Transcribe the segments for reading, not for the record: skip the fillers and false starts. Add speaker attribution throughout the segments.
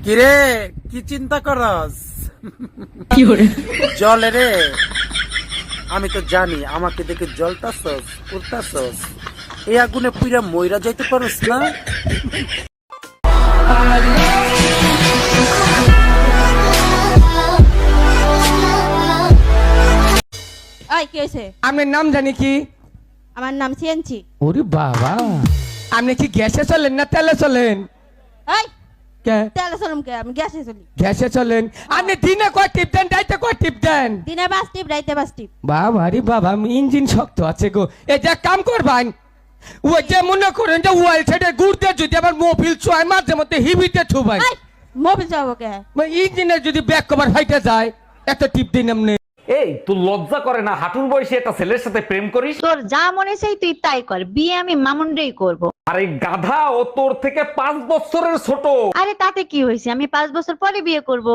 Speaker 1: কিরে কি চিন্তা করস? জলে রে, আমি তো জানি আমাকে দেখে জলতাছস উঠতাছস, এই আগুনে পুইরা মইরা যাইতে পারস না।
Speaker 2: ওই কি হয়েছে?
Speaker 3: আপনার নাম জানি কি?
Speaker 2: আমার নাম সিএনচি।
Speaker 3: ওরে বাবা, আপনি কি গ্যাসে চলেন না তেলে চলেন?
Speaker 2: এই
Speaker 3: কে
Speaker 2: তেলে চলুম কে? আমি গ্যাসে চলি।
Speaker 3: গ্যাসে চলেন? আপনি দিনে কয় টিপ দেন, রাইতে কয় টিপ দেন?
Speaker 2: দিনে 5 টিপ, রাইতে 5 টিপ।
Speaker 3: বাবা রে বাবা, ইঞ্জিন শক্ত আছে গো। এই যে কাম করবেন, ওই যে মনে করেন যে ওয়াল সাইডে ঘুরতে যদি আবার মোবিল চয় মাঝে মধ্যে হিবিতে ছুবাই,
Speaker 2: এই মোবিল চাবো কে?
Speaker 3: ইঞ্জিনের যদি ব্যাক কভার ফাইটে যায়, এত টিপ দিন আপনি।
Speaker 4: এই তুই লজ্জা করে না হাঁটুর বয়সে একটা ছেলের সাথে প্রেম করিস?
Speaker 5: তোর যা মনে চাই তুই তাই কর, বিয়ে আমি মামুনরেই করব।
Speaker 4: আরে গাধা, ও তোর থেকে 5 বছরের ছোট।
Speaker 5: আরে তাতে কি হয়েছে, আমি 5 বছর পরে বিয়ে করব।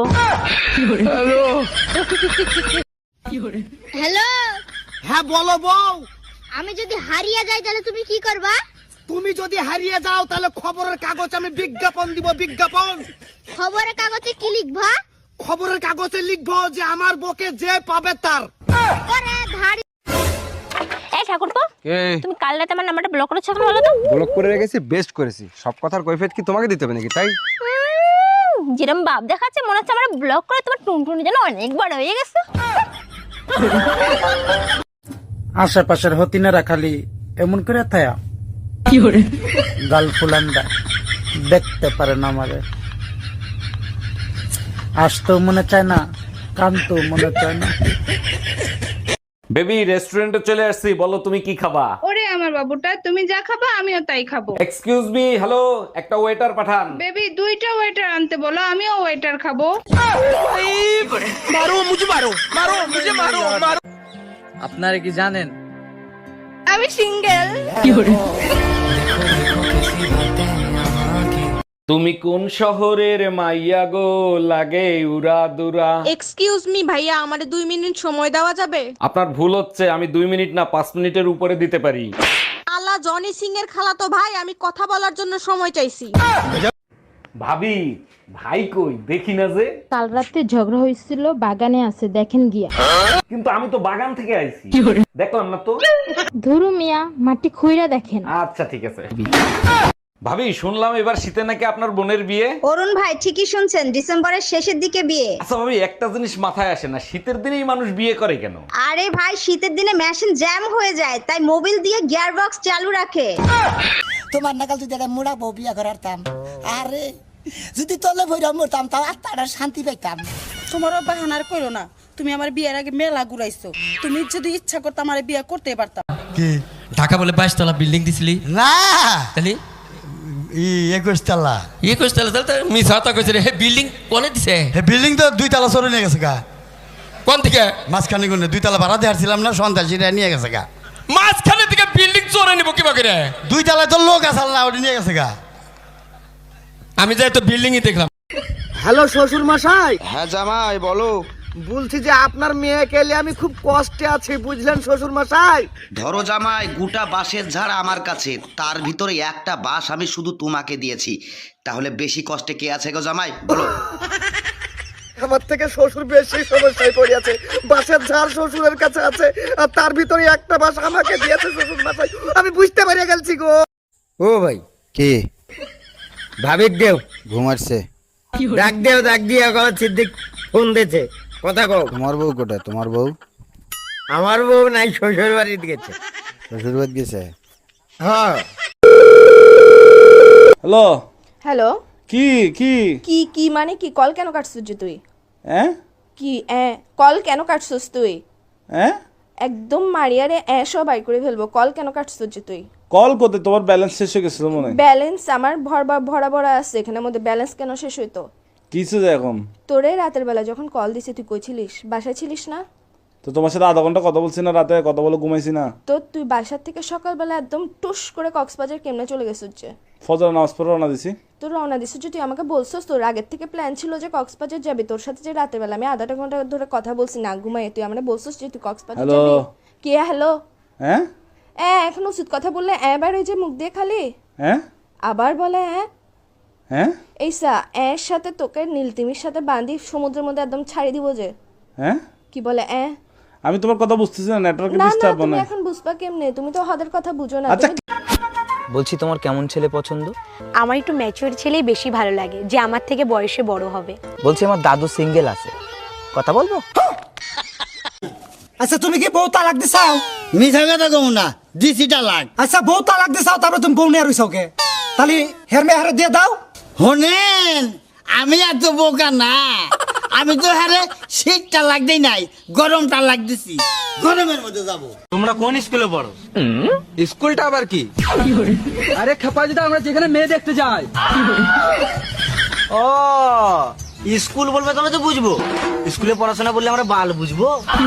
Speaker 6: হ্যালো,
Speaker 1: হ্যাঁ বলো বউ।
Speaker 6: আমি যদি হারিয়ে যাই তাহলে তুমি কি করবা?
Speaker 1: তুমি যদি হারিয়ে যাও তাহলে খবরের কাগজ আমি বিজ্ঞাপন দিব, বিজ্ঞাপন।
Speaker 6: খবরের কাগজে কি লিখবা?
Speaker 1: খবরের কাগজে লিখবো যে আমার বকে যে পাবে তার।
Speaker 6: ওরে ধাড়ি।
Speaker 7: এই ঠাকুরপো, তুমি কাল রাতে আমার নাম্বারটা ব্লক করেছো কেন বলো তো?
Speaker 8: ব্লক করে রেখেছি, বেস্ট করেছি। সব কথার কৈফিয়ত কি তোমাকে দিতে হবে নাকি? তাই
Speaker 7: যেরকম ভাব দেখাচ্ছে মনে হচ্ছে আমার ব্লক করে তোমার টুনটুনি যেন অনেক বড় হয়ে গেছে।
Speaker 1: আশেপাশের হতিনেরা খালি এমন করে থায়া গাল ফুলান্ডা দেখতে পারে না আমারে, আসতেও মনে চায় না, কানতেও মনে চায় না।
Speaker 4: বেবি, রেস্টুরেন্টে চলে আসছি, বলো তুমি কি খাবা?
Speaker 9: ওরে আমার বাবুটা, তুমি যা খাবা আমিও তাই খাবো।
Speaker 4: এক্সকিউজ মি, হ্যালো, একটা ওয়েটার পাঠান।
Speaker 9: বেবি 2টা ওয়েটার আনতে বলো, আমিও ওয়েটার খাবো।
Speaker 10: আপনারা কি জানেন
Speaker 9: আমি সিঙ্গেল।
Speaker 4: তুমি কোন শহরের মাইয়া গো, লাগে উড়া দুরা?
Speaker 2: এক্সকিউজ মি ভাইয়া, আমারে 2 মিনিট সময় দেওয়া যাবে?
Speaker 4: আপনার ভুল হচ্ছে, আমি 2 মিনিট না 5 মিনিটের উপরে দিতে পারি।
Speaker 2: আলা জনি সিং এর খালাতো ভাই, আমি কথা বলার জন্য সময় চাইছি।
Speaker 4: ভাবি, ভাই কই দেখি না যে?
Speaker 11: কাল রাতে ঝগড়া হয়েছিল, বাগানে আছে, দেখেন গিয়া।
Speaker 4: কিন্তু আমি তো বাগান থেকে আইছি, দেখলাম না তো।
Speaker 11: ধরু মিয়া, মাটি খুইরা দেখেন।
Speaker 4: আচ্ছা ঠিক আছে। ভাবি, শুনলাম এবার শীতে নাকি আপনার বোনের বিয়ে?
Speaker 5: অরুণ ভাই ঠিকই শুনছেন, ডিসেম্বরের শেষের দিকে বিয়ে।
Speaker 4: আচ্ছা ভাবি, একটা জিনিস মাথায় আসে না, শীতের দিনেই মানুষ বিয়ে করে কেন?
Speaker 5: আরে ভাই, শীতের দিনে মেশিন জ্যাম হয়ে যায়, তাই মোবিল দিয়ে গিয়ার বক্স চালু রাখে।
Speaker 12: তোমার নাকাল যদি একটা মুড়া বউ বিয়া করারতাম, আরে যদি তলে ভৈরা মরতাম তাও আত্মাটা শান্তি পাইতাম।
Speaker 2: তোমার বাহানার কইরো না, তুমি আমার বিয়ের আগে মেলা ঘুরাইছো। তুমি যদি ইচ্ছা করতে আমার বিয়ে করতে পারতাম।
Speaker 10: কি ঢাকা বলে 22 তলা বিল্ডিং দিছিলি
Speaker 12: না,
Speaker 10: তাহলে
Speaker 12: 21 তলা।
Speaker 10: 21 তলা তাহলে মিছা কথা কইছে রে। হে বিল্ডিং কোনে দিছে?
Speaker 12: হে বিল্ডিং তো 2 তলা সরে নিয়ে গেছে গা।
Speaker 10: কোন থেকে?
Speaker 12: মাঝখানে কোনে 2 তলা ভাড়া দেওয়ারছিলাম না, সন্ত্রাসীরা নিয়ে গেছে গা।
Speaker 10: মাঝখানে থেকে বিল্ডিং চোরে নিব কি বাকি রে?
Speaker 12: 2 তলায় তো লোক আসাল না, ওটা নিয়ে গেছে গা।
Speaker 10: আমি যাই তো বিল্ডিংই দেখলাম।
Speaker 1: হ্যালো শ্বশুর মশাই।
Speaker 8: হ্যাঁ জামাই বলো।
Speaker 1: বলছি যে আপনার মেয়েকে এলে আমি খুব কষ্টে আছি, বুঝলেন শ্বশুর মশাই?
Speaker 13: ধরো জামাই, গোটা বাঁশের ঝাড় আমার কাছে, তার ভিতরে একটা বাঁশ আমি শুধু তোমাকে দিয়েছি, তাহলে বেশি কষ্টে কে আছে গো জামাই বলো?
Speaker 1: আমার থেকে শ্বশুর বেশি সমস্যায় পড়িয়াছে। বাসের ঝাড় শ্বশুরের কাছে আছে, আর তার ভিতরে একটা বাস আমাকে দিয়েছে শ্বশুর মশাই। আমি বুঝতে পারিয়া গেছি গো।
Speaker 8: ও ভাই,
Speaker 12: কি
Speaker 8: ভাবিক দেও
Speaker 12: ঘুমাচ্ছে?
Speaker 8: ডাক দেও, ডাক দিয়া কও সিদ্দিক ফোন দিয়েছে, কথা কও।
Speaker 12: তোমার বউ কোথায়? তোমার বউ?
Speaker 8: আমার বউ নাই, শ্বশুর বাড়িতে গেছে।
Speaker 12: শ্বশুর বাড়ি গেছে?
Speaker 8: হ্যাঁ।
Speaker 4: হ্যালো।
Speaker 2: হ্যালো,
Speaker 4: কি কি
Speaker 2: কি কি মানে কি? কল কেন কাটছিস যে তুই?
Speaker 4: হ্যাঁ
Speaker 2: কি কল কেন কাটছিস তুই?
Speaker 4: হ্যাঁ,
Speaker 2: একদম মারিয়ারে সব বাই করে ফেলবো। কল কেন কাটছিস যে তুই?
Speaker 4: কল করতে তোমার ব্যালেন্স শেষ হয়ে গেছিল মনে হয়।
Speaker 2: ব্যালেন্স আমার ভরা ভরা আছে, এখানের মধ্যে ব্যালেন্স কেন শেষ হইতো?
Speaker 4: কিছু যে এখন
Speaker 2: তোরে রাতের বেলা যখন কল দিছি তুই কই ছিলিস? বাসায় ছিলিস না
Speaker 4: তো? তোমার সাথে আধা ঘন্টা কথা বলছি না, রাতে কথা বলে ঘুমাইছি না
Speaker 2: তো? তুই বাসার থেকে সকালবেলা একদম টুস করে কক্সবাজার কেমনে চলে গেছিস যে?
Speaker 4: ফজর নামাজ পড়ে রওনা দিছি।
Speaker 2: তোর রওনা দিছিস যে, তুই আমাকে বলছিস তোর আগের থেকে প্ল্যান ছিল যে কক্সবাজার যাবি। তোর সাথে যে রাতের বেলা আমি আধাটা ঘন্টা ধরে কথা বলছি না ঘুমাইয়ে, তুই আমাকে বলছিস যে তুই কক্সবাজার
Speaker 4: হ্যালো।
Speaker 2: যাবি। কি হ্যালো?
Speaker 4: হ্যাঁ
Speaker 2: এখন উচিত কথা বললে বার হয়ে যে মুখ দিয়ে খালি
Speaker 4: হ্যাঁ
Speaker 2: আবার বলে
Speaker 4: হ্যাঁ
Speaker 2: এইসা এর সাথে তোকে নীলতিমির সাথে বাঁধি সমুদ্রের মধ্যে একদম ছাড়ি দিব যে।
Speaker 4: হ্যাঁ
Speaker 2: কি বলে
Speaker 4: আমি তোমার কথা বুঝতেছি না, নেটওয়ার্কে
Speaker 2: না না
Speaker 4: ডিস্টার্ব
Speaker 2: তুমি
Speaker 4: না।
Speaker 2: এখন বুঝবা কেমনে, তুমি তো ওদের কথা বুঝো না।
Speaker 4: আচ্ছা
Speaker 8: বলছি তোমার কেমন ছেলে পছন্দ?
Speaker 7: আমার একটু ম্যাচিওর ছেলেই বেশি ভালো লাগে, যে আমার থেকে বয়সে বড় হবে।
Speaker 8: বলছি আমার দাদু সিঙ্গেল আছে, কথা বলবো?
Speaker 12: আচ্ছা তুমি কি বউ তালাক দিছাও?
Speaker 8: মিছা কথা কম না, দিছি তালাক।
Speaker 12: আচ্ছা বউ তালাক দিছাও, তারপরে তুমি বউ নিয়ে রইছাও কে? তাহলে হেরমে হারে দিয়ে দাও।
Speaker 8: শোনেন, আমি এত বোকা না, আমি তো হারে শীত তালাক দেই নাই, গরম তালাক দিছি। গরমের মধ্যে যাবো।
Speaker 3: তোমরা কোন স্কুলে পড়ো? স্কুলটা আবার কি? আরে খেপাজিদা, আমরা যেখানে মেয়ে দেখতে যাই।
Speaker 8: ও স্কুল বলবে তবে তো বুঝবো, স্কুলে পড়াশোনা বললে আমরা বাল বুঝবো।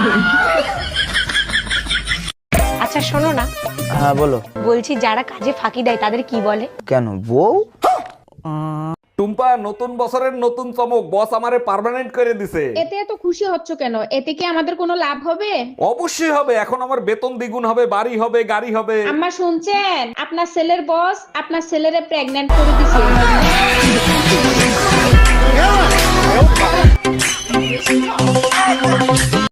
Speaker 7: আচ্ছা শোনো না,
Speaker 8: হ্যাঁ বলো।
Speaker 7: বলছি যারা কাজে ফাঁকি দেয় তাদের কি বলে?
Speaker 8: কেন বউ?
Speaker 4: টুম্পা, নতুন বছরের নতুন চমক, বস আমারে পার্মানেন্ট করে দিছে।
Speaker 9: এতে এত খুশি হচ্ছ কেন? এতে কি আমাদের কোনো লাভ হবে?
Speaker 4: অবশ্যই হবে, এখন আমার বেতন দ্বিগুণ হবে, বাড়ি হবে, গাড়ি হবে।
Speaker 9: আম্মা শুনছেন, আপনার ছেলের বস আপনার ছেলেরে প্রেগন্যান্ট করে দিছে।